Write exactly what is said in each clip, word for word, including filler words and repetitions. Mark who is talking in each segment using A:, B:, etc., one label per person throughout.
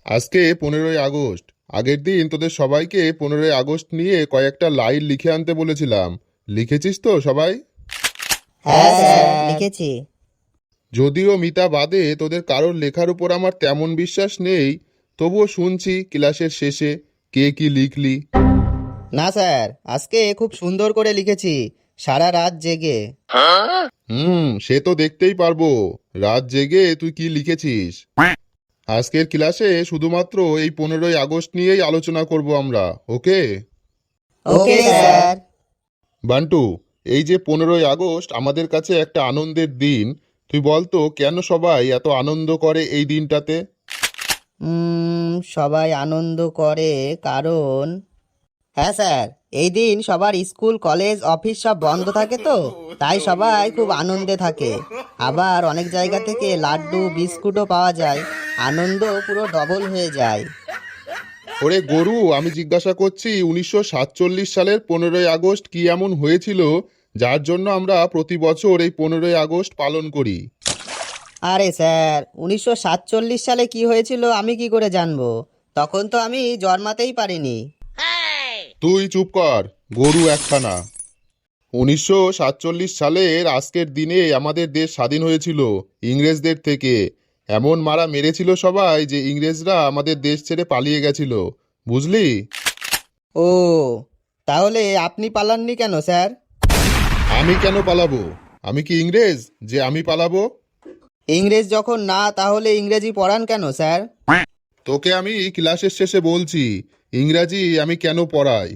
A: আজকে পনেরোই আগস্ট। আগের দিন তোদের সবাইকে পনেরোই আগস্ট নিয়ে কয়েকটা লাইন লিখে আনতে বলেছিলাম। লিখেছিস তো সবাই?
B: হ্যাঁ স্যার, লিখেছি।
A: যদিও মিতা বাদে তোদের কারোর লেখার উপর আমার তেমন বিশ্বাস নেই, তবুও শুনছি ক্লাসের শেষে কে কি লিখলি।
B: না স্যার, আজকে খুব সুন্দর করে লিখেছি, সারা রাত জেগে।
A: হুম, সে তো দেখতেই পারবো রাত জেগে তুই কি লিখেছিস। আজকের ক্লাসে শুধুমাত্র এই পনেরোই আগস্ট নিয়েই আলোচনা করব আমরা, ওকে?
B: Okay sir.
A: বান্টু, এই যে পনেরোই আগস্ট আমাদের কাছে একটা আনন্দের দিন, তুই বলতো কেন সবাই এত আনন্দ করে এই দিনটাতে?
B: উম, সবাই আনন্দ করে কারণ, হ্যাঁ স্যার, এই দিন সবার স্কুল কলেজ অফিস সব বন্ধ থাকে তো, তাই সবাই খুব আনন্দে থাকে। আবার অনেক জায়গা থেকে লাড্ডু বিস্কুটও পাওয়া যায়, আনন্দ পুরো ডবল হয়ে যায়।
A: ওরে গরু, আমি জিজ্ঞাসা করছি উনিশশো সাতচল্লিশ সালের পনেরোই আগস্ট কি এমন হয়েছিল যার জন্য আমরা প্রতি বছর এই পনেরোই আগস্ট পালন করি?
B: আরে স্যার, উনিশশো সাতচল্লিশ সালে কি হয়েছিল আমি কি করে জানবো? তখন তো আমি জন্মাতেই পারিনি।
A: তুই চুপ কর, গরু একখানা। উনিশশো সাতচল্লিশ সালের আজকের দিনে আমাদের দেশ স্বাধীন হয়েছিল ইংরেজদের থেকে। এমন মারা মেরেছিল সবাই যে ইংরেজরা আমাদের দেশ ছেড়ে পালিয়ে গেছিল, বুঝলি?
B: ও, তাহলে আপনি পালাননি কেন স্যার?
A: আমি কেন পালাবো? আমি কি ইংরেজ যে আমি পালাবো?
B: ইংরেজ যখন না, তাহলে ইংরেজি পড়ান কেন স্যার?
A: তোকে আমি ক্লাসের শেষে বলছি ইংরাজি আমি কেন পড়াই।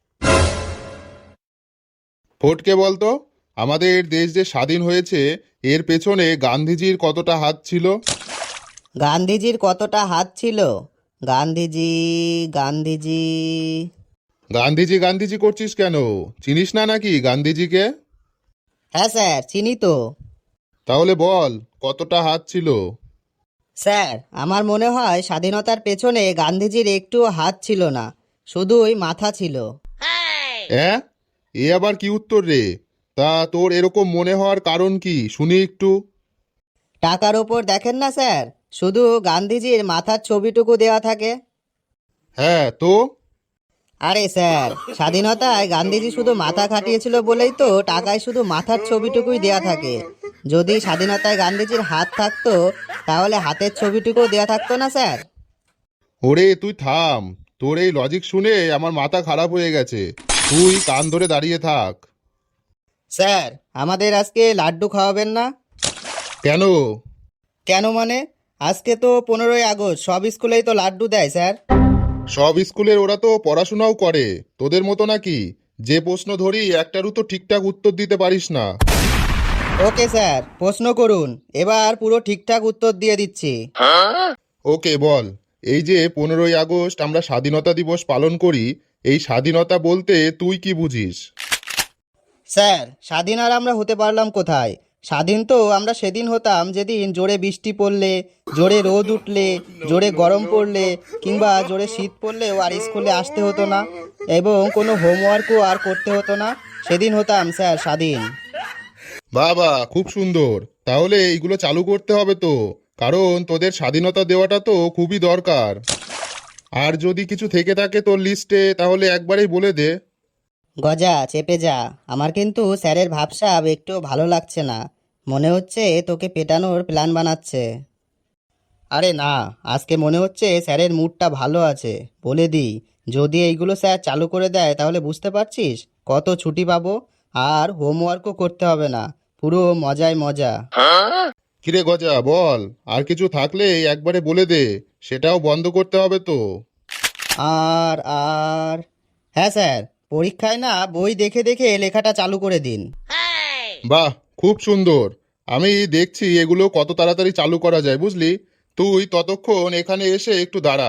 A: ফোটকে বলতো, আমাদের দেশ যে স্বাধীন হয়েছে এর পেছনে গান্ধীজির কতটা হাত ছিল?
B: গান্ধীজির কতটা হাত ছিল? গান্ধীজি গান্ধীজি
A: গান্ধীজি গান্ধীজি করছিস কেন? চিনিস না নাকি গান্ধীজিকে?
B: হ্যাঁ স্যার, চিনি তো।
A: তাহলে বল কতটা হাত ছিল?
B: স্যার, আমার মনে হয় স্বাধীনতার পেছনে গান্ধীজির একটুও হাত ছিল না, শুধুই মাথা ছিল।
A: হ্যাঁ, এ আবার কি উত্তর রে? তা তোর এরকম মনে হওয়ার কারণ কি শুনি একটু।
B: টাকার ওপর দেখেন না স্যার, শুধু গান্ধীজির মাথার ছবিটুকু দেওয়া থাকে।
A: হ্যাঁ তো?
B: আরে স্যার, স্বাধীনতায় গান্ধীজি শুধু মাথা খাটিয়েছিল বলেই তো টাকায় শুধু মাথার ছবিটুকুই দেয়া থাকে। যদি স্বাধীনতায় গান্ধীজির হাত থাকতো, তাহলে হাতের ছবিটুকু দেয়া থাকতো না স্যার।
A: ওরে তুই থাম, তোর এই লজিক শুনে আমার মাথা খারাপ হয়ে গেছে। তুই কান ধরে দাঁড়িয়ে থাক।
B: স্যার, আমাদের আজকে লাড্ডু খাওয়াবেন না?
A: কেন?
B: কেন মানে, আজকে তো পনেরোই আগস্ট, সব স্কুলেই তো লাড্ডু দেয় স্যার।
A: সব স্কুলের ওরা তো পড়াশোনাও করে তোদের মতো নাকি? যে প্রশ্ন ধরি একটারও তো ঠিকঠাক উত্তর দিতে পারিস না।
B: ওকে স্যার, প্রশ্ন করুন, এবার পুরো ঠিকঠাক উত্তর দিয়ে দিচ্ছি।
A: ওকে বল, এই যে পনেরোই আগস্ট আমরা স্বাধীনতা দিবস পালন করি, এই স্বাধীনতা বলতে তুই কি বুঝিস?
B: স্যার, স্বাধীন আর আমরা হতে পারলাম কোথায়? স্বাধীন তো আমরা সেদিন হতাম যেদিন জোরে বৃষ্টি পড়লে, জোরে রোদ উঠলে, জোরে গরম পড়লে, কিংবা জোরে শীত পড়লেও আর স্কুলে আসতে হতো না, এবং কোনো হোমওয়ার্কও আর করতে হতো না। সেদিন হতাম স্যার স্বাধীন।
A: বাবা খুব সুন্দর। তাহলে এইগুলো চালু করতে হবে তো, কারণ তোদের স্বাধীনতা দেওয়াটা তো খুবই দরকার। আর যদি কিছু থেকে থাকে তোর লিস্টে তাহলে একবারেই বলে দে।
B: গজা চেপে যা, আমার কিন্তু স্যারের ভাবসাব একটু ভালো লাগছে না। মনে হচ্ছে তোকে পেটানোর প্ল্যান বানাচ্ছে। আরে না, আজকে মনে হচ্ছে স্যারের মুডটা ভালো আছে। বলে দিই, যদি এইগুলো স্যার চালু করে দেয় তাহলে বুঝতে পারছিস কত ছুটি পাবো, আর হোমওয়ার্কও করতে হবে না, পুরো মজায় মজা।
A: কিরে গজা বল, আর কিছু থাকলে একবারে বলে দে, সেটাও বন্ধ করতে হবে তো।
B: আর আর হ্যাঁ স্যার, পরীক্ষায় না বই দেখে দেখে লেখাটা চালু করে দিন।
A: বাহ, খুব সুন্দর। আমি দেখছি এগুলো কত তাড়াতাড়ি চালু করা যায়, বুঝলি? তুই ততক্ষণ এখানে এসে একটু দাঁড়া।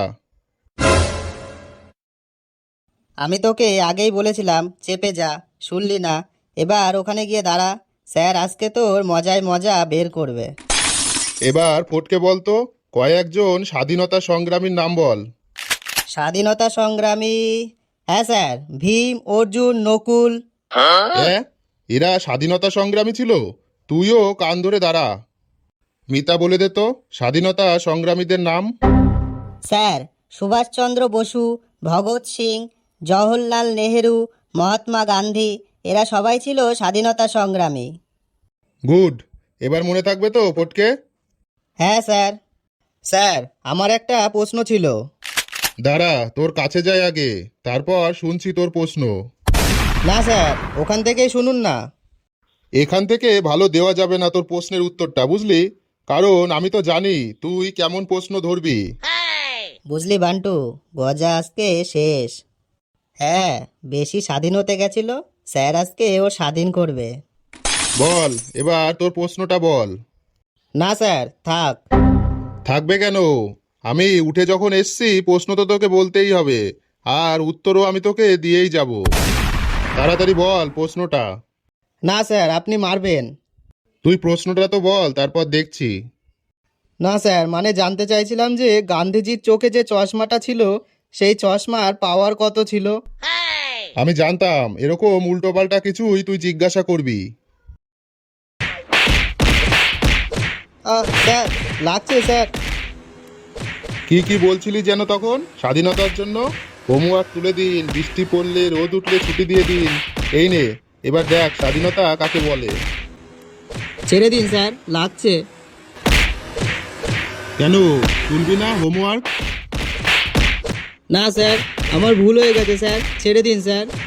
B: আমি তোকে আগেই বলেছিলাম চেপে যা, শুনলি না? এবার ওখানে গিয়ে দাঁড়া, স্যার আজকে তোর মজায় মজা বের করবে।
A: এবার ফটকে বলতো কয়েকজন স্বাধীনতা সংগ্রামীর নাম বল।
B: স্বাধীনতা সংগ্রামী, হ্যাঁ স্যার, ভীম, অর্জুন, নকুল।
A: হ্যাঁ, এরা স্বাধীনতা সংগ্রামী ছিল? তুইও কান ধরে দাঁড়া। মিতা বলে দে তো স্বাধীনতা সংগ্রামীদের নাম।
B: স্যার, সুভাষচন্দ্র বসু, ভগৎ সিং, জওহরলাল নেহেরু, মহাত্মা গান্ধী এরা সবাই ছিল স্বাধীনতা সংগ্রামী।
A: গুড। এবার মনে থাকবে তো ফটকে?
B: হ্যাঁ স্যার। স্যার, আমার একটা প্রশ্ন ছিল।
A: দাঁড়া, তোর কাছে যাই আগে, তারপর শুনছি তোর প্রশ্ন।
B: না স্যার, ওখান থেকেই শুনুন না।
A: এখান থেকে ভালো দেওয়া যাবে না তোর প্রশ্নের উত্তরটা, বুঝলি? কারণ আমি তো জানি তুই কেমন প্রশ্ন ধরবি।
B: বুঝলি বান্টু, গজা আজকে শেষ। হ্যাঁ, বেশি স্বাধীন হতে গেছিল, স্যার আজকে ও স্বাধীন করবে।
A: বল, এবার তোর প্রশ্নটা বল।
B: না স্যার, থাক।
A: থাকবে কেন? আমি উঠে যখন এসছি প্রশ্ন তো তোকে বলতেই হবে, আর উত্তরও আমি তোকে দিয়েই যাব। তাড়াতাড়ি বল প্রশ্নটা।
B: না স্যার, আপনি মারবেন।
A: তুই প্রশ্নটা তো বল, তারপর দেখছি।
B: না স্যার, মানে জানতে চাইছিলাম যে গান্ধীজির চোখে যে চশমাটা ছিল সেই চশমার পাওয়ার কত ছিল।
A: আমি জানতাম এরকম উল্টোপাল্টা কিছুই তুই জিজ্ঞাসা করবি।
B: আহ, স্যার, লাগছে স্যার।
A: কি কি বলছিলি যেন তখন? স্বাধীনতার জন্য হোমওয়ার্ক তুলে দিন, বৃষ্টি পড়লে রোদ উঠলে ছুটি দিয়ে দিন। এই নে, এবার দেখ স্বাধীনতা কাকে বলে।
B: ছেড়ে দিন স্যার, লাগছে।
A: কেন তুলবি না হোমওয়ার্ক?
B: না স্যার, আমার ভুল হয়ে গেছে স্যার, ছেড়ে দিন স্যার।